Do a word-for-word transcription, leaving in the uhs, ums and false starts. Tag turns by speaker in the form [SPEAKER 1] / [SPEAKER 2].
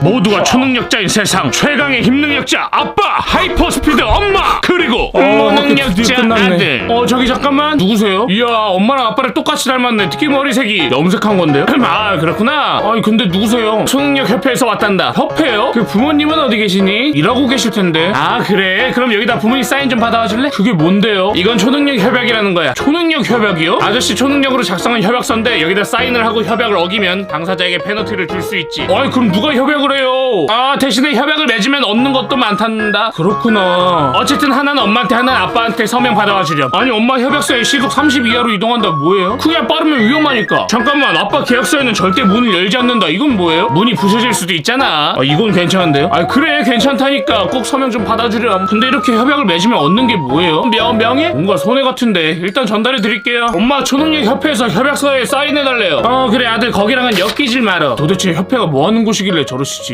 [SPEAKER 1] 모두가 초능력자인 세상 최강의 힘능력자 아빠 하이퍼스피드 엄마 그리고
[SPEAKER 2] 어,
[SPEAKER 1] 무능력자
[SPEAKER 2] 드디어 끝났네.
[SPEAKER 1] 아들. 어 저기 잠깐만 누구세요? 이야 엄마랑 아빠를 똑같이 닮았네. 특히 머리색이 염색한 건데요? 아 그렇구나. 아니 근데 누구세요? 초능력 협회에서 왔단다. 협회요? 그 부모님은 어디 계시니? 일하고 계실 텐데. 아 그래? 그럼 여기다 부모님 사인 좀 받아와 줄래? 그게 뭔데요? 이건 초능력 협약이라는 거야. 초능력 협약이요? 아저씨 초능력으로 작성한 협약서인데 여기다 사인을 하고 협약을 어기면 당사자에게 페널티를 줄 수 있지. 아니 그럼 누가 협약을 해요? 아 대신에 협약을 맺으면 얻는 것도 많단다. 그렇구나. 어쨌든 하나는 엄마한테 하나는 아빠한테 서명 받아와 주렴. 아니 엄마 협약서에 시속 삼십 이하로 이동한다 뭐예요? 그게 빠르면 위험하니까. 잠깐만 아빠 계약서에는 절대 문을 열지 않는다. 이건 뭐예요? 문이 부서질 수도 있잖아. 아 이건 괜찮은데요? 아 그래 괜찮다니까. 꼭 서명 좀 받아주렴. 근데 이렇게 협약을 맺으면 얻는 게 뭐예요? 명, 명예? 뭔가 손해 같은데. 일단 전달해 드릴게요. 엄마 초능력 협회에서 협약서에 사인해달래요. 어 그래 아들 거기랑은 엮이질 말어. 도대체 협회가 뭐하는 곳이길래 저러시지?